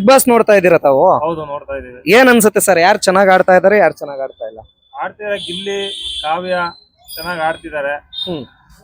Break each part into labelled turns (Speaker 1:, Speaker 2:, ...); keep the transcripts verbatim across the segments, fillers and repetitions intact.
Speaker 1: Boss ನೋಡ್ತಾ ಇದೀರ ತಾವು?
Speaker 2: ಹೌದು, ನೋಡ್ತಾ ಇದೀವಿ.
Speaker 1: ಏನ್ ಅನ್ಸುತ್ತೆ ಸರ್, ಯಾರು ಚೆನ್ನಾಗ್ ಆಡ್ತಾ ಇದಾರೆ, ಯಾರು ಚೆನ್ನಾಗ್ ಆಡ್ತಾ ಇಲ್ಲ?
Speaker 2: ಆಡ್ತಿದ್ದಾರೆ, ಗಿಲ್ಲಿ, ಕಾವ್ಯ ಚೆನ್ನಾಗಿ ಆಡ್ತಿದ್ದಾರೆ.
Speaker 1: ಹ್ಮ್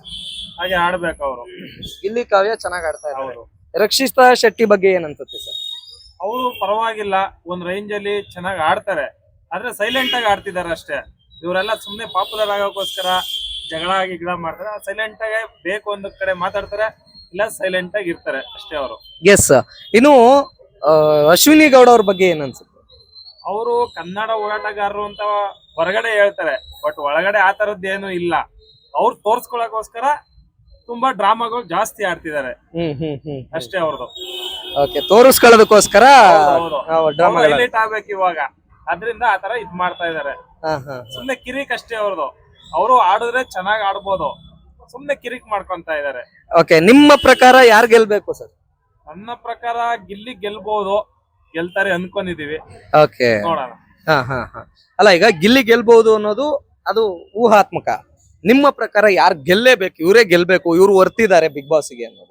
Speaker 2: ಹಾಗೆ ಆಡ್ಬೇಕು ಅವರು.
Speaker 1: ಗಿಲ್ಲಿ, ಕಾವ್ಯ ಚೆನ್ನಾಗ್ ಆಡ್ತಾ ಇದ್ದಾರೆ.
Speaker 2: ಹೌದು.
Speaker 1: ರಕ್ಷಿತಾ ಶೆಟ್ಟಿ ಬಗ್ಗೆ ಏನ್ ಅನ್ಸುತ್ತೆ ಸರ್?
Speaker 2: ಅವರು ಪರವಾಗಿಲ್ಲ, ಒಂದ್ ರೇಂಜ್ ಅಲ್ಲಿ ಚೆನ್ನಾಗಿ ಆಡ್ತಾರೆ. ಆದ್ರೆ ಸೈಲೆಂಟ್ ಆಗಿ ಆಡ್ತಿದ್ದಾರೆ ಅಷ್ಟೇ. ಇವರೆಲ್ಲ ಸುಮ್ನೆ ಪಾಪ್ಯುಲರ್ ಆಗೋಕ್ಕೋಸ್ಕರ ಜಗಳ ಗಿಗಳ ಮಾಡ್ತಾರೆ. ಸೈಲೆಂಟ್ ಆಗಿ ಬೇಕು ಒಂದ್ ಕಡೆ ಮಾತಾಡ್ತಾರೆ, ಇಲ್ಲ ಸೈಲೆಂಟ್ ಆಗಿ ಇರ್ತಾರೆ ಅಷ್ಟೇ ಅವರು.
Speaker 1: ಎಸ್. ಇನ್ನು ಆ, ಅಶ್ವಿನಿ ಗೌಡ ಅವ್ರ ಬಗ್ಗೆ ಏನ್ ಅನ್ಸುತ್ತೆ?
Speaker 2: ಅವರು ಕನ್ನಡ ಹೋರಾಟಗಾರರು ಅಂತ ಹೊರಗಡೆ ಹೇಳ್ತಾರೆ, ಬಟ್ ಒಳಗಡೆ ಆ ತರದ್ದೇನು ಇಲ್ಲ. ಅವ್ರು ತೋರ್ಸ್ಕೊಳಕೋಸ್ಕರ ತುಂಬಾ ಡ್ರಾಮಾಗಳು ಜಾಸ್ತಿ ಆಡ್ತಿದ್ದಾರೆ
Speaker 1: ಹ್ಮ್ ಹ್ಮ್ ಹ್ಮ್
Speaker 2: ಅಷ್ಟೇ ಅವ್ರದ್ದು.
Speaker 1: Okay, ತೋರಿಸ್ಕೊಳ್ಳೋದಕ್ಕೋಸ್ಕರ drama.
Speaker 2: ಹೈಲೈಟ್ ಆಗ್ಬೇಕು ಇವಾಗ, ಅದ್ರಿಂದ ಆತರ ಇದ್ ಮಾಡ್ತಾ ಇದಾರೆ. ಸುಮ್ನೆ ಕಿರಿಕ್ ಅಷ್ಟೇ ಅವ್ರದ್ದು. ಅವರು ಆಡಿದ್ರೆ ಚೆನ್ನಾಗ್ ಆಡ್ಬೋದು, ಸುಮ್ನೆ ಕಿರಿಕ್ ಮಾಡ್ಕೊಂತ ಇದಾರೆ.
Speaker 1: ಓಕೆ, ನಿಮ್ಮ ಪ್ರಕಾರ ಯಾರು ಗೆಲ್ಬೇಕು ಸರ್?
Speaker 2: ನನ್ನ ಪ್ರಕಾರ ಗಿಲ್ಲಿ ಗೆಲ್ಬಹುದು, ಗೆಲ್ತಾರೆ ಅನ್ಕೊಂಡಿದೀವಿ.
Speaker 1: ಓಕೆ,
Speaker 2: ನೋಡೋಣ.
Speaker 1: ಹಾ ಹಾ ಹಾ ಅಲ್ಲ, ಈಗ ಗಿಲ್ಲಿ ಗೆಲ್ಬಹುದು ಅನ್ನೋದು ಅದು ಊಹಾತ್ಮಕ. ನಿಮ್ಮ ಪ್ರಕಾರ ಯಾರು ಗೆಲ್ಲೇಬೇಕು, ಇವರೇ ಗೆಲ್ಬೇಕು, ಇವ್ರು ವರ್ತಿದ್ದಾರೆ ಬಿಗ್ ಬಾಸ್ಗೆ ಅನ್ನೋದು?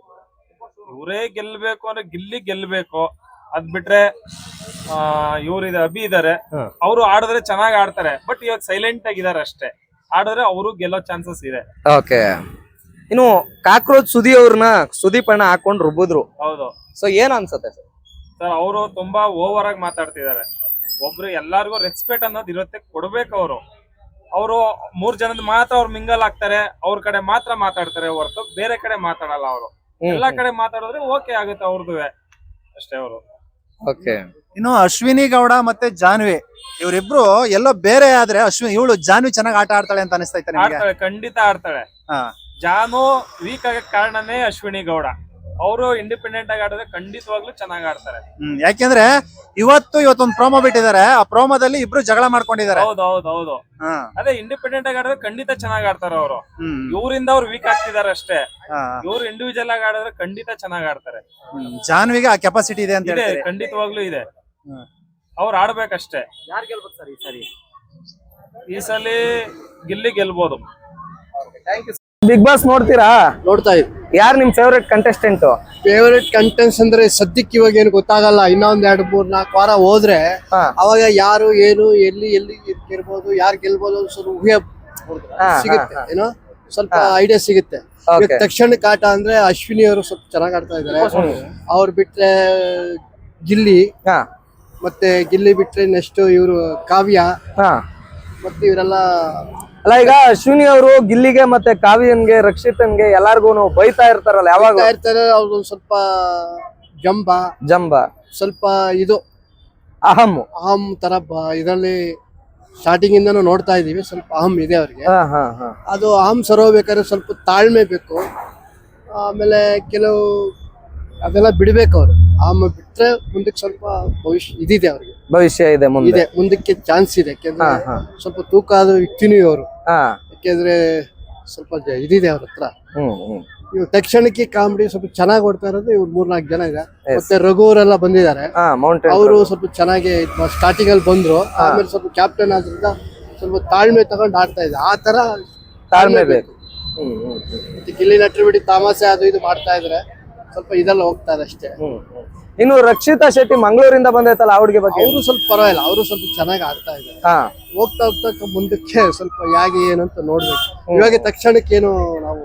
Speaker 2: ಇವರೇ ಗೆಲ್ಬೇಕು ಅಂದ್ರೆ ಗಿಲ್ಲಿ ಗೆಲ್ಬೇಕು. ಅದ್ ಬಿಟ್ರೆ ಆ ಇವ್ರಿದೆ, ಅಭಿ ಇದಾರೆ, ಅವರು ಆಡಿದ್ರೆ ಚೆನ್ನಾಗ್ ಆಡ್ತಾರೆ. ಬಟ್ ಇವಾಗ ಸೈಲೆಂಟ್ ಆಗಿದ್ದಾರೆ ಅಷ್ಟೇ. ಆಡಿದ್ರೆ ಅವರು ಗೆಲ್ಲೋ ಚಾನ್ಸಸ್ ಇದೆ.
Speaker 1: ಓಕೆ, ಇನ್ನು ಕಾಕ್ರೋಚ್ ಸುದಿ ಅವ್ರನ್ನ ಸುದೀಪ್ ಅಣ್ಣ ಹಾಕೊಂಡ್ ರುಬ್ಬಿದ್ರು.
Speaker 2: ಹೌದು.
Speaker 1: ಸೊ ಏನ್ ಅನ್ಸುತ್ತೆ ಸರ್?
Speaker 2: ಸರ್, ಅವರು ತುಂಬಾ ಓವರ್ ಆಗಿ ಮಾತಾಡ್ತಿದ್ದಾರೆ. ಒಬ್ರು ಎಲ್ಲಾರ್ಗು ರೆಸ್ಪೆಕ್ಟ್ ಅನ್ನೋದು ಇರುತ್ತೆ, ಕೊಡ್ಬೇಕು. ಅವರು ಅವರು ಮೂರ್ ಜನದ ಮಾತ್ರ ಅವ್ರು ಮಿಂಗಲ್ ಆಗ್ತಾರೆ, ಅವ್ರ ಕಡೆ ಮಾತ್ರ ಮಾತಾಡ್ತಾರೆ ಹೊರತು ಬೇರೆ ಕಡೆ ಮಾತಾಡಲ್ಲ. ಅವರು ಎಲ್ಲಾ ಕಡೆ ಮಾತಾಡಿದ್ರೆ ಓಕೆ ಆಗುತ್ತೆ ಅವ್ರದ್ದು ಅಷ್ಟೇ ಅವರು.
Speaker 1: ಓಕೆ,
Speaker 3: ಇನ್ನು ಅಶ್ವಿನಿ ಗೌಡ ಮತ್ತೆ ಜಾನ್ವಿ ಇವರಿಬ್ರು ಎಲ್ಲೋ ಬೇರೆ ಆದ್ರೆ ಅಶ್ವಿನಿ ಇವಳು ಜಾನ್ವಿ ಚೆನ್ನಾಗಿ ಆಟ ಆಡ್ತಾಳೆ ಅಂತ ಅನಿಸ್ತೈತೆ ನಿಮಗೆ?
Speaker 2: ಆಡ್ತಾಳೆ, ಖಂಡಿತ ಆಡ್ತಾಳೆ.
Speaker 3: ಹಾ,
Speaker 2: ಜಾನು ವೀಕ್ ಆಗಕ್ ಕಾರಣನೇ ಅಶ್ವಿನಿ ಗೌಡ. ಅವರು ಇಂಡಿಪೆಂಡೆಂಟ್ ಆಗಿ ಆಡಿದ್ರೆ ಖಂಡಿತವಾಗ್ಲೂ ಚೆನ್ನಾಗಿ ಆಡ್ತಾರೆ.
Speaker 3: ಹ್ಮ್ ಯಾಕೆಂದ್ರೆ ಇವತ್ತು ಇವತ್ತೊಂದು ಪ್ರೋಮೋ ಬಿಟ್ಟಿದ್ದಾರೆ. ಆ ಪ್ರೋಮೋದಲ್ಲಿ ಇಬ್ರು ಜಗಳ ಮಾಡ್ಕೊಂಡಿದ್ದಾರೆ.
Speaker 2: ಹೌದು ಹೌದು ಹೌದು ಅದೇ ಇಂಡಿಪೆಂಡೆಂಟ್ ಆಗಿ ಆಡಿದ್ರೆ ಖಂಡಿತ ಚೆನ್ನಾಗಿ ಆಡ್ತಾರೆ ಅವರು. ಇವರಿಂದ ಅವ್ರು ವೀಕ್ ಆಗ್ತಿದ್ದಾರೆ ಅಷ್ಟೇ. ಇವ್ರು ಇಂಡಿವಿಜುವಲ್ ಆಗಿ ಆಡಿದ್ರೆ ಖಂಡಿತ ಚೆನ್ನಾಗಿ ಆಡ್ತಾರೆ.
Speaker 3: ಜಾನ್ವಿಗೆ ಆ ಕೆಪಾಸಿಟಿ ಇದೆ ಅಂತ
Speaker 2: ಇದೆ, ಖಂಡಿತವಾಗ್ಲೂ ಇದೆ. ಅವ್ರು ಆಡ್ಬೇಕಷ್ಟೇ.
Speaker 1: ಯಾರು ಗೆಲ್ಬೇಕು ಸರ್ ಈ ಸರಿ?
Speaker 2: ಈ ಸಲ ಗಿಲ್ಲಿ ಗೆಲ್ಬೋದು.
Speaker 1: ಬಿಗ್ ಬಾಸ್ ನೋಡ್ತೀರಾ?
Speaker 4: ನೋಡ್ತಾ ಇದ್ವಿ.
Speaker 1: ಯಾರು ನಿಮ್ ಫೇವರೇಟ್ ಕಂಟೆಸ್ಟೆಂಟ್?
Speaker 4: ಫೇವರೇಟ್ ಕಂಟೆಂಟ್ಸ್ ಅಂದ್ರೆ ಸದ್ಯಕ್ಕೆ ಇವಾಗ ಏನು ಗೊತ್ತಾಗಲ್ಲ. ಇನ್ನೊಂದ್ ಎರಡ್ ಮೂರ್ ನಾಲ್ಕು ವಾರ ಹೋದ್ರೆ ಅವಾಗ ಯಾರು ಏನು ಎಲ್ಲಿ ಎಲ್ಲಿ ಇರ್ಬೋದು, ಯಾರು ಗೆಲ್ಬೋದು ಸ್ವಲ್ಪ ಊಹೆ ಸಿಗುತ್ತೆ, ಏನೋ ಸ್ವಲ್ಪ ಐಡಿಯಾ ಸಿಗುತ್ತೆ. ತಕ್ಷಣಕ್ಕೆ ಆಟ ಅಂದ್ರೆ ಅಶ್ವಿನಿ ಅವರು ಸ್ವಲ್ಪ ಚೆನ್ನಾಗ್ ಆಡ್ತಾ ಇದಾರೆ. ಅವ್ರು ಬಿಟ್ರೆ ಗಿಲ್ಲಿ, ಮತ್ತೆ ಗಿಲ್ಲಿ ಬಿಟ್ರೆ ನೆಕ್ಸ್ಟ್ ಇವರು ಕಾವ್ಯ, ಮತ್ತೆ ಇವರೆಲ್ಲ.
Speaker 1: ಅಲ್ಲ, ಈಗ ಅಶ್ವಿನಿ ಅವರು ಗಿಲ್ಲಿಗೆ ಮತ್ತೆ ಕಾವ್ಯನ್ಗೆ ರಕ್ಷಿತನ್ಗೆ ಎಲ್ಲಾರ್ಗು ಬೈತಾ ಇರ್ತಾರಲ್ಲ, ಯಾವಾಗ
Speaker 4: ಇರ್ತಾರೆ. ಅವ್ರು ಸ್ವಲ್ಪ ಜಂಬ
Speaker 1: ಜಂಬ
Speaker 4: ಸ್ವಲ್ಪ ಇದು
Speaker 1: ಅಹಂ
Speaker 4: ಅಹಂ ತರ ಇದರಲ್ಲಿ ಸ್ಟಾರ್ಟಿಂಗ್ ಇಂದನೂ ನೋಡ್ತಾ ಇದೀವಿ. ಸ್ವಲ್ಪ ಅಹಂ ಇದೆ ಅವ್ರಿಗೆ. ಅದು ಅಹಂ ಸರೋಬೇಕಾದ್ರೆ ಸ್ವಲ್ಪ ತಾಳ್ಮೆ ಬೇಕು. ಆಮೇಲೆ ಕೆಲವು ಅದೆಲ್ಲ ಬಿಡ್ಬೇಕು ಅವ್ರು. ಅಹಂ ಬಿಟ್ರೆ ಮುಂದಕ್ಕೆ ಸ್ವಲ್ಪ ಭವಿಷ್ಯ ಇದಿದೆ ಅವ್ರಿಗೆ, ಭವಿಷ್ಯ ಇದೆ, ಇದೆ ಮುಂದಕ್ಕೆ ಚಾನ್ಸ್ ಇದೆ. ಯಾಕೆಂದ್ರೆ ಸ್ವಲ್ಪ ತೂಕ ಆದ ವ್ಯಕ್ತಿನೂ ಅವರು. ಯಾಕೆಂದ್ರೆ ಸ್ವಲ್ಪ ಇದಿದೆ ಅವ್ರ ಹತ್ರ. ಇವ್ ತಕ್ಷಣಕ್ಕೆ ಕಾಮಿಡಿ ಸ್ವಲ್ಪ ಚೆನ್ನಾಗಿ ಓಡ್ತಾ ಇರೋದು ಇವ್ರು ಮೂರ್ನಾಲ್ಕು ಜನ ಇದೆ. ಮತ್ತೆ ರಘು ಅವರೆಲ್ಲ ಬಂದಿದ್ದಾರೆ. ಅವರು ಸ್ವಲ್ಪ ಚೆನ್ನಾಗಿ ಸ್ಟಾರ್ಟಿಂಗ್ ಅಲ್ಲಿ ಬಂದ್ರು. ಆಮೇಲೆ ಸ್ವಲ್ಪ ಕ್ಯಾಪ್ಟನ್ ಆದ್ರಿಂದ ಸ್ವಲ್ಪ ತಾಳ್ಮೆ ತಗೊಂಡು ಆಡ್ತಾ ಇದೆ. ಆ ತರ ತಾಳ್ಮೆ ಬೇಕು. ಮತ್ತೆ ಗಿಲ್ಲಿ ನಟರು ಬಿಡಿ ತಾಮಾಸೆ ಅದು ಇದು ಮಾಡ್ತಾ ಇದ್ರೆ ಸ್ವಲ್ಪ ಇದೆಲ್ಲ ಹೋಗ್ತಾ ಇದೆ ಅಷ್ಟೇ.
Speaker 1: ಇನ್ನು ರಕ್ಷಿತಾ ಶೆಟ್ಟಿ ಮಂಗಳೂರಿಂದ ಬಂದೈತಲ್ಲ, ಅವ್ರಿಗೆ ಬಗ್ಗೆ?
Speaker 4: ಅವರು ಸ್ವಲ್ಪ ಪರವಾಗಿಲ್ಲ, ಅವರು ಸ್ವಲ್ಪ ಚೆನ್ನಾಗಿ ಆಡ್ತಾ ಇದ್ದಾರೆ. ಹೋಗ್ತಾ ಹೋಗ್ತಾ ಮುಂದಕ್ಕೆ ಸ್ವಲ್ಪ ಹೇಗೆ ಏನು ಅಂತ ನೋಡ್ಬೇಕು. ಇವಾಗ ತಕ್ಷಣಕ್ಕೆ ಏನು ನಾವು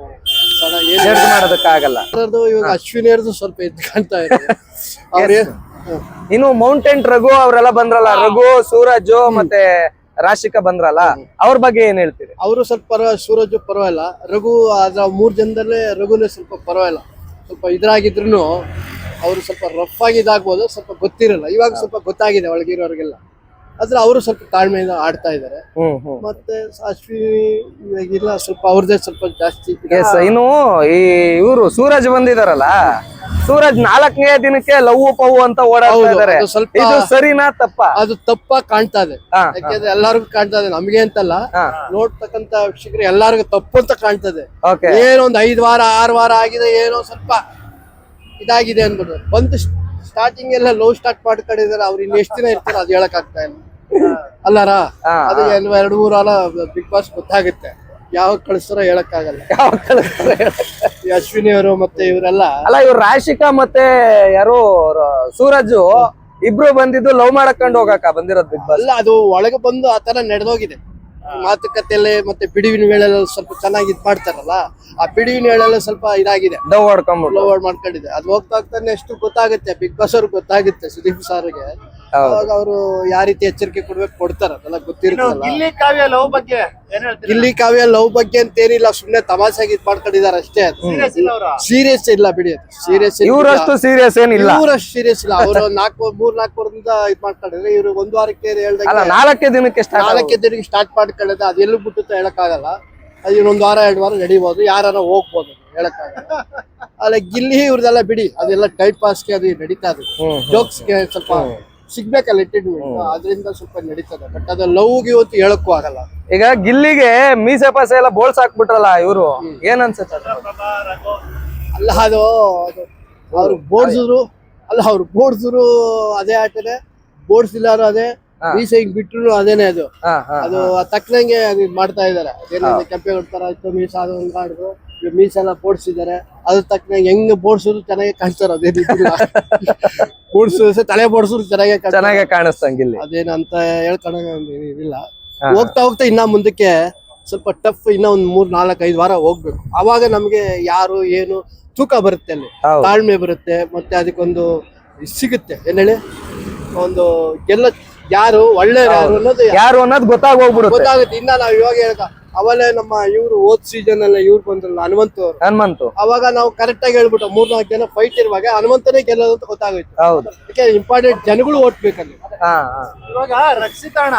Speaker 1: ಮಾಡೋದಕ್ಕಾಗಲ್ಲ.
Speaker 4: ಇವಾಗ ಅಶ್ವಿನಿಯರ್ದು ಸ್ವಲ್ಪ ಎದ್ದು ಕಾಣ್ತಾ ಇದೆ. ಅವ್ರೆ
Speaker 1: ಇನ್ನು ಮೌಂಟೇನ್ ರಘು ಅವರೆಲ್ಲ ಬಂದ್ರಲ್ಲ, ರಘು, ಸೂರಜ್ ಮತ್ತೆ ರಾಶಿಕಾ ಬಂದ್ರಲ್ಲ, ಅವ್ರ ಬಗ್ಗೆ ಏನ್ ಹೇಳ್ತೀರಿ?
Speaker 4: ಅವರು ಸ್ವಲ್ಪ ಪರವಾಗಿಲ್ಲ, ಸೂರಜ್ ಪರವಾಗಿಲ್ಲ. ರಘು ಅದ್ರ ಮೂರ್ ಜನದಲ್ಲೇ ರಘುನೇ ಸ್ವಲ್ಪ ಪರವಾಗಿಲ್ಲ. ಸ್ವಲ್ಪ ಇದ್ರಾಗಿದ್ರು ಅವರು ಸ್ವಲ್ಪ ರಫ್ ಆಗಿ ಇದಾಗ್ಬೋದು, ಸ್ವಲ್ಪ ಗೊತ್ತಿರಲ್ಲ. ಇವಾಗ ಸ್ವಲ್ಪ ಗೊತ್ತಾಗಿದೆ ಒಳಗಿರೋರಿಗೆಲ್ಲ. ಆದ್ರೆ ಅವರು ಸ್ವಲ್ಪ ತಾಳ್ಮೆಯಿಂದ ಆಡ್ತಾ ಇದಾರೆ. ಮತ್ತೆ ಅಶ್ವಿನಿ ಇವಾಗಿಲ್ಲ, ಸ್ವಲ್ಪ ಅವ್ರದೇ ಸ್ವಲ್ಪ ಜಾಸ್ತಿ.
Speaker 1: ಇನ್ನು ಈ ಇವರು ಸೂರಜ್ ಬಂದಿದಾರಲ್ಲ, ಸೂರಜ್ ನಾಲ್ಕನೇ ದಿನಕ್ಕೆ ಲವ್ ಪವ್ ಅಂತ ಓಡಾಡ್ತಾ ಇದಾರೆ. ಸ್ವಲ್ಪ ಸರಿನಾ ತಪ್ಪ?
Speaker 4: ಅದು ತಪ್ಪ ಕಾಣ್ತಾ ಇದೆ. ಯಾಕೆಂದ್ರೆ ಎಲ್ಲಾರ್ಗು ಕಾಣ್ತಾ ಇದೆ, ನಮ್ಗೆ ಅಂತಲ್ಲ, ನೋಡ್ತಕ್ಕಂತ ವೀಕ್ಷಕರು ಎಲ್ಲಾರ್ಗು ತಪ್ಪು ಅಂತ ಕಾಣ್ತದೆ. ಏನೋ ಒಂದ್ ಐದ್ ವಾರ ಆರ್ ವಾರ ಆಗಿದೆ, ಏನೋ ಸ್ವಲ್ಪ ಇದಾಗಿದೆ ಅನ್ಬಿಟ್ಟು ಬಂದು ಸ್ಟಾರ್ಟಿಂಗ್ ಎಲ್ಲ ಲವ್ ಸ್ಟಾರ್ಟ್ ಮಾಡ್ಕೊಂಡಿದ್ದಾರೆ. ಅವ್ರು ಇನ್ನು ಎಷ್ಟು ದಿನ ಇರ್ತಾರೆ ಅದು ಹೇಳಕ್ ಆಗ್ತಾ ಇಲ್ಲ ಅಲ್ಲಾರ. ಅದು ಎರಡು ಮೂರು ವಾರ ಬಿಗ್ ಬಾಸ್ ಗೊತ್ತಾಗುತ್ತೆ, ಯಾವಾಗ ಕಳಿಸ್ತಾರೋ ಹೇಳಕ್ ಆಗಲ್ಲ. ಅಶ್ವಿನಿ ಅವರು ಮತ್ತೆ ಇವರೆಲ್ಲ
Speaker 1: ಅಲ್ಲ, ಇವ್ರು ರಾಶಿಕಾ ಮತ್ತೆ ಯಾರು ಸೂರಜ್ ಇಬ್ರು ಬಂದಿದ್ದು ಲವ್ ಮಾಡಕೊಂಡು ಹೋಗಕ್ಕ ಬಂದಿರೋದು ಬಿಗ್ ಬಾಸ್.
Speaker 4: ಅಲ್ಲ ಅದು ಒಳಗೆ ಬಂದು ಆ ತರ ನಡೆದೋಗಿದೆ. ಮಾತುಕತೆಯಲ್ಲಿ ಮತ್ತೆ ಬಿಡುವಿನ ವೇಳೆಲ್ಲ ಸ್ವಲ್ಪ ಚೆನ್ನಾಗಿ ಇದ್ ಮಾಡ್ತಾರಲ್ಲ, ಆ ಬಿಡುವಿನ ವೇಳೆಲ್ಲ ಸ್ವಲ್ಪ ಇದಾಗಿದೆ,
Speaker 1: ಡವ್ ಹೊಡ್ಕೊಂಡ್ಬಿಟ್ಟು.
Speaker 4: ಲೋವರ್ಡ್ ಮಾಡ್ಕೊಂಡಿದೆ. ಅದು ಹೋಗ್ತಾ ಹೋಗ್ತಾನೆ ಎಷ್ಟು ಗೊತ್ತಾಗುತ್ತೆ, ಬಿಗ್ ಬಾಸ್ ಅವ್ರಿಗೆ ಗೊತ್ತಾಗುತ್ತೆ, ಸುದೀಪ್ ಸಾರ್ಗೆ.
Speaker 1: ಹೌದು.
Speaker 4: ಅವಾಗ ಅವರು ಯಾವ ರೀತಿ ಎಚ್ಚರಿಕೆ ಕೊಡ್ಬೇಕು ಕೊಡ್ತಾರ, ಅದೆಲ್ಲ ಗೊತ್ತಿರುತ್ತಲ್ಲ.
Speaker 3: ಗಿಲ್ಲಿ ಕಾವ್ಯ ಲವ್ ಬಗ್ಗೆ ಏನ್ ಹೇಳ್ತೀರಿ?
Speaker 4: ಇಲ್ಲಿ ಕಾವ್ಯ ಲವ್ ಬಗ್ಗೆ ಅಂತ ಏನಿಲ್ಲ, ಸುಮ್ನೆ ತಮಾಷೆಗೆ ಇದ್ ಮಾಡ್ಕೊಂಡಿದಾರೆ ಅಷ್ಟೇ.
Speaker 3: Serious ಇಲ್ಲ ಅವ್ರು?
Speaker 4: ಸೀರಿಯಸ್ ಇಲ್ಲ ಬಿಡಿ, ಸೀರಿಯಸ್
Speaker 1: ಇವ್ರಷ್ಟು ಸೀರಿಯಸ್ ಏನಿಲ್ಲ.
Speaker 4: ಇವರಷ್ಟು ಸೀರಿಯಸ್ ಇಲ್ಲ. ಅವರು ನಾಲ್ಕು ಮೂರ್ ನಾಲ್ಕು ವಾರದಿಂದ ಇದ್ ಮಾಡ್ಕೊಂಡಿದ್ರೆ, ಇವ್ರು ಒಂದ್ ವಾರಕ್ಕೆ
Speaker 1: ಅಲ್ಲ,
Speaker 4: ಹೇಳ್ದಂಗೆ
Speaker 1: ನಾಲ್ಕೇ ದಿನಕ್ಕೆ ಸ್ಟಾರ್ಟ್.
Speaker 4: ನಾಲ್ಕೇ ದಿನಕ್ಕೆ ಸ್ಟಾರ್ಟ್ ಮಾಡ್ಕೊಳ್ಳೋದು, ಅದು ಎಲ್ಲಿ ಬಿಟ್ಟು ಹೇಳಕ್ ಆಗಲ್ಲ. ಅದು ಇನ್ನೊಂದ್ ವಾರ ಎರಡು ವಾರ ನಡಿಬಹುದು, ಯಾರ ಹೋಗ್ಬೋದು, ಹೇಳಕ್ ಆಗಲ್ಲ. ಅಲ್ಲ ಗಿಲ್ಲಿ ಇವ್ರದೆಲ್ಲ ಬಿಡಿ, ಅದೆಲ್ಲ ಟೈಮ್ ಪಾಸ್ಗೆ ಅದು ನಡೀತಾ ಇದೆ. ಜೋಕ್ಸ್ಗೆ ಸ್ವಲ್ಪ ಸಿಗ್ಬೇಕಲ್ಲ ಎಂಟರ್ಟೈನ್ಮೆಂಟ್, ಅದರಿಂದ ಸ್ವಲ್ಪ ನಡೀತದೆ. ಬಟ್ ಅದು ಲವ್ಗೆ ಇವತ್ತು ಹೇಳಕ್ಕೂ ಆಗಲ್ಲ.
Speaker 1: ಈಗ ಗಿಲ್ಲಿಗೆ ಮೀಸೆ ಪಾಸೆ ಎಲ್ಲ ಬೋಳ್ಸ್ ಹಾಕ್ಬಿಟ್ರಲ್ಲ ಇವ್ರು, ಏನ್ ಅನ್ಸುತ್ತೆ?
Speaker 4: ಅಲ್ಲ ಅದು ಅದು ಅವ್ರು ಬೋಡ್ಸಿದ್ರು, ಅಲ್ಲ ಅವ್ರು ಬೋಡ್ಸಿದ್ರು ಅದೇ ಆಟನೇ, ಬೋಡ್ಸಿಲ್ಲಾರು ಅದೇ, ಮೀಸೆ ಹಿಂಗ್ ಬಿಟ್ರು ಅದೇನೆ. ಅದು
Speaker 1: ಹಾ, ಹಾ,
Speaker 4: ಅದು ತಕ್ಕನಂಗೆ ಅದು ಇದ್ ಮಾಡ್ತಾ ಇದಾರೆ. ಅದೇನಿದೆ ಕೆಂಪೆ ಕೊಡ್ತಾರ ಆಯ್ತು, ಮೀಸ ಅದು ಮಾಡಿದ್ರು, ಮೀಸೆಲ್ಲ ಬೋಡ್ಸಿದ್ದಾರೆ. ಅದ್ರ ತಕ್ಕನಂಗೆ ಹೆಂಗ್ ಬೋಡ್ಸಿದ್ರು ಚೆನ್ನಾಗಿ ಕಾಣ್ತಾರ. ಅದೇನಿಲ್ಲ ಬೋಡ್ಸಿದ್ರು ತಲೆ ಬೋಡ್ಸಿದ್ರು ಚೆನ್ನಾಗಿ
Speaker 1: ಚೆನ್ನಾಗೆ ಕಾಣಿಸ್ತಂಗ್ ಗಿಲ್ಲಿ.
Speaker 4: ಅದೇನಂತ ಹೇಳ್ಕೊಳಂಗ ಇದಿಲ್ಲ. ಹೋಗ್ತಾ ಹೋಗ್ತಾ ಇನ್ನ ಮುಂದಕ್ಕೆ ಸ್ವಲ್ಪ ಟಫ್, ಇನ್ನ ಒಂದ್ ಮೂರ್ ನಾಲ್ಕ್ ಐದ್ ವಾರ ಹೋಗ್ಬೇಕು. ಅವಾಗ ನಮ್ಗೆ ಯಾರು ಏನು ತೂಕ ಬರುತ್ತೆ, ಅಲ್ಲಿ
Speaker 1: ಹೌದು.
Speaker 4: ತಾಳ್ಮೆ ಬರುತ್ತೆ, ಮತ್ತೆ ಅದಕ್ಕೊಂದು ಇದ್ ಸಿಗುತ್ತೆ. ಏನ್ ಹೇಳಿ, ಒಂದು ಎಲ್ಲ ಯಾರು ಒಳ್ಳೆ ಯಾರು ಅನ್ನೋದು
Speaker 1: ಯಾರು ಅನ್ನೋದು ಗೊತ್ತಾಗ ಹೋಗ್ಬಿಡುತ್ತೆ.
Speaker 4: ಗೊತ್ತಾಗುತ್ತೆ. ಇನ್ನ ನಾವ್ ಇವಾಗ ಹೇಳ್ಕ ಅವಲೇ ನಮ್ಮ ಇವ್ರು ಓದ್ ಸೀಸನ್ ಅಲ್ಲ ಇವ್ರು ಬಂದ್ರಲ್ಲ ಹನುಮಂತು ಅವ್ರು,
Speaker 1: ಹನುಮಂತು,
Speaker 4: ಅವಾಗ ನಾವು ಕರೆಕ್ಟ್ ಆಗಿ ಹೇಳ್ಬಿಟ್ಟು ಮೂರ್ನಾಲ್ಕು ಜನ ಫೈಟ್ ಇರುವಾಗ ಹನುಮಂತನೇ ಗೆಲ್ಲೋದು ಅಂತ ಗೊತ್ತಾಗೋಯ್ತು.
Speaker 1: ಹೌದು.
Speaker 4: ಅದಕ್ಕೆ ಇಂಪಾರ್ಟೆಂಟ್ ಜನಗಳು ಓಟ್ಬೇಕಲ್ಲಿ.
Speaker 1: ಹಾ, ಹಾ.
Speaker 3: ಇವಾಗ ರಕ್ಷಿತಣ್ಣ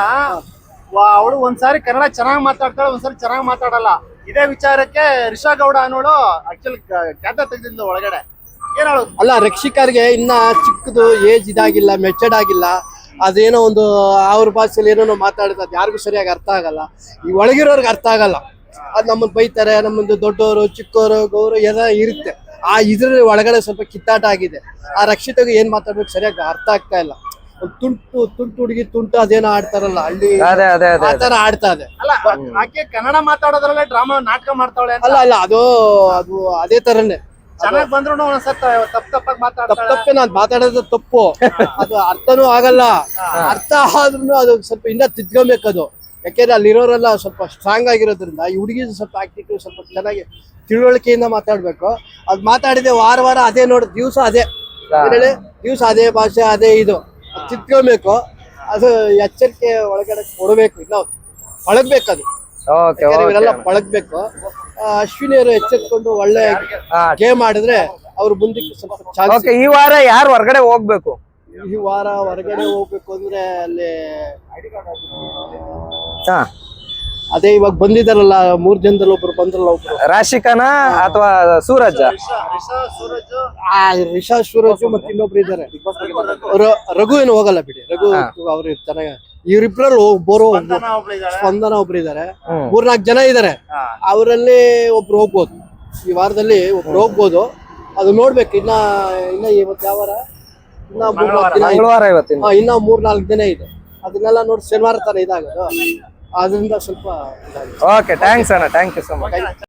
Speaker 3: ಅವಳು ಒಂದ್ಸಾರಿ ಕನ್ನಡ ಚೆನ್ನಾಗಿ ಮಾತಾಡ್ತಾಳೆ, ಒಂದ್ಸಾರಿ ಚೆನ್ನಾಗಿ ಮಾತಾಡಲ್ಲ. ಇದೇ ವಿಚಾರಕ್ಕೆ ರಿಷಾ ಗೌಡ ಅನ್ನೋಳು ಆಕ್ಚುಲಿ ಖ್ಯಾತ ತೆಗೆದಿದ್ದ ಒಳಗಡೆ ಏನ್ ಹೇಳೋದು?
Speaker 4: ಅಲ್ಲ, ರಕ್ಷಿಕರ್ಗೆ ಇನ್ನ ಚಿಕ್ಕದು ಏಜ್ ಇದಾಗಿಲ್ಲ, ಮೆಚರ್ಡ್ ಆಗಿಲ್ಲ. ಅದೇನೋ ಒಂದು ಅವ್ರ ಭಾಷೆಯಲ್ಲಿ ಏನೇನೋ ಮಾತಾಡಿದ, ಅದು ಯಾರಿಗೂ ಸರಿಯಾಗಿ ಅರ್ಥ ಆಗಲ್ಲ. ಈ ಒಳಗಿರೋರ್ಗೆ ಅರ್ಥ ಆಗಲ್ಲ. ಅದ್ ನಮ್ಮನ್ನ ಬೈತಾರೆ, ನಮ್ಮದು ದೊಡ್ಡವರು ಚಿಕ್ಕವರು ಗೌರವ ಎಲ್ಲ ಇರುತ್ತೆ. ಆ ಇದ್ರ ಒಳಗಡೆ ಸ್ವಲ್ಪ ಕಿತ್ತಾಟ ಆಗಿದೆ. ಆ ರಕ್ಷಿತಗೆ ಏನ್ ಮಾತಾಡ್ಬೇಕು ಸರಿಯಾಗಿ ಅರ್ಥ ಆಗ್ತಾ ಇಲ್ಲ. ಒಂದ್ ತುಂಟು ತುಂಟು ಹುಡುಗಿ ತುಂಟು ಅದೇನೋ ಆಡ್ತಾರಲ್ಲ ಹಳ್ಳಿ,
Speaker 1: ಅದೇ ಅದೇ ಅದೇ
Speaker 4: ಆ ತರ ಆಡ್ತಾ ಇದೆ.
Speaker 3: ಅಲ್ಲ, ಆಕೆ ಕನ್ನಡ ಮಾತಾಡೋದ್ರಲ್ಲೇ ಡ್ರಾಮಾ ನಾಟಕ ಮಾಡ್ತಾವಳೆ ಅಂತ.
Speaker 4: ಅಲ್ಲ ಅಲ್ಲ ಅದು ಅದು ಅದೇ ತರನೇ
Speaker 3: ಚೆನ್ನಾಗ್ ಬಂದ್ರು ಒಂದ್ಸತ್ತ ತಪ್ಪ ತಪ್ಪಾಗಿ
Speaker 4: ತಪ್ಪ
Speaker 3: ಮಾತಾಡ್ತಾಳೆ.
Speaker 4: ತಪ್ಪೆ ನಾನ್ ಮಾತಾಡೋದು ತಪ್ಪು, ಅದು ಅರ್ಥನೂ ಆಗಲ್ಲ. ಅರ್ಥ ಆದ್ರೂ ಅದು ಸ್ವಲ್ಪ ಇನ್ನ ತಿದ್ಕೊಬೇಕದು. ಯಾಕೆಂದ್ರೆ ಅಲ್ಲಿರೋರೆಲ್ಲ ಸ್ವಲ್ಪ ಸ್ಟ್ರಾಂಗ್ ಆಗಿರೋದ್ರಿಂದ ಈ ಹುಡುಗಿ ಸ್ವಲ್ಪ ಆಕ್ಟಿವ್ ಸ್ವಲ್ಪ ಚೆನ್ನಾಗಿ ತಿಳುವಳಿಕೆಯಿಂದ ಮಾತಾಡ್ಬೇಕು. ಅದ್ ಮಾತಾಡಿದೆ ವಾರ ವಾರ ಅದೇ ನೋಡ್, ದಿವ್ಸ ಅದೇ ಹೇಳಿ, ದಿವ್ಸ ಅದೇ ಭಾಷೆ ಅದೇ ಇದು, ಅದ್ ತಿದ್ಕೊಬೇಕು. ಅದು ಎಚ್ಚರಿಕೆ ಒಳಗಡೆ ಕೊಡಬೇಕು, ಇನ್ನ ಪಳಗ್ಬೇಕದು.
Speaker 1: ಓಕೆ,
Speaker 4: ಇವರೆಲ್ಲ ಪಳಗ್ಬೇಕು. ಅಶ್ವಿನಿ ಅವರು ಎಚ್ಚೆತ್ಕೊಂಡು ಒಳ್ಳೆ ಗೇಮ್ ಆಡಿದ್ರೆ ಅವ್ರು ಮುಂದಕ್ಕೆ ಸ್ವಲ್ಪ ಚಾನ್ಸ್.
Speaker 1: ಓಕೆ. ಈ ವಾರ ಯಾರು ಹೊರಗಡೆ ಹೋಗ್ಬೇಕು?
Speaker 4: ಈ ವಾರ ಹೊರಗಡೆ ಹೋಗ್ಬೇಕು ಅಂದ್ರೆ ಅಲ್ಲಿ
Speaker 1: ಹಾ,
Speaker 4: ಅದೇ ಇವಾಗ ಬಂದಿದಾರಲ್ಲ ಮೂರ್ ಜನದಲ್ಲಿ ಒಬ್ರು ಬಂದ್ರಲ್ಲ, ಒಬ್ರು
Speaker 1: ರಾಶಿಕನಾ ಅಥವಾ ಸೂರಜ್?
Speaker 4: ಆ ರಿಷಾ ಸೂರಜ್ ಮತ್ತೆ ಇನ್ನೊಬ್ರು ಇದಾರೆ. ರ- ರಘು ಏನು ಹೋಗಲ್ಲ ಬಿಡಿ, ರಘು ಅವ್ರು ಚೆನ್ನಾಗ. ಇವ್ರಿಬ್ರಲ್ಲಿ ಬೋರೋ ಸ್ಪಂದನ ಒಬ್ರು ಇದಾರೆ, ಮೂರ್ನಾಲ್ಕು ಜನ ಇದಾರೆ. ಅವರಲ್ಲಿ ಒಬ್ರು ಹೋಗ್ಬೋದು, ಈ ವಾರದಲ್ಲಿ ಒಬ್ರು ಹೋಗ್ಬೋದು. ಅದು ನೋಡ್ಬೇಕು. ಇನ್ನ ಇನ್ನ ಇವತ್ತು ಯಾವ ವಾರ? ಇನ್ನ ಮೂರ್ನಾಲ್ಕು ದಿನ ಇದೆ.
Speaker 1: ಮಂಗಳವಾರ ಇವತ್ತಿನ.
Speaker 4: ಹಾ, ಇನ್ನ ಮೂರ್ನಾಲ್ಕು ದಿನ ಇದೆ. ಅದನ್ನೆಲ್ಲ ನೋಡಿ ಶನಿವಾರ ತರ ಇದಾಗೋದು, ಅದರಿಂದ ಸ್ವಲ್ಪ ಇದಾಗಿದೆ.
Speaker 1: ಓಕೆ, ಥ್ಯಾಂಕ್ಸ್ ಅಣ್ಣ, ಥ್ಯಾಂಕ್ ಯು ಸೊ ಮಚ್.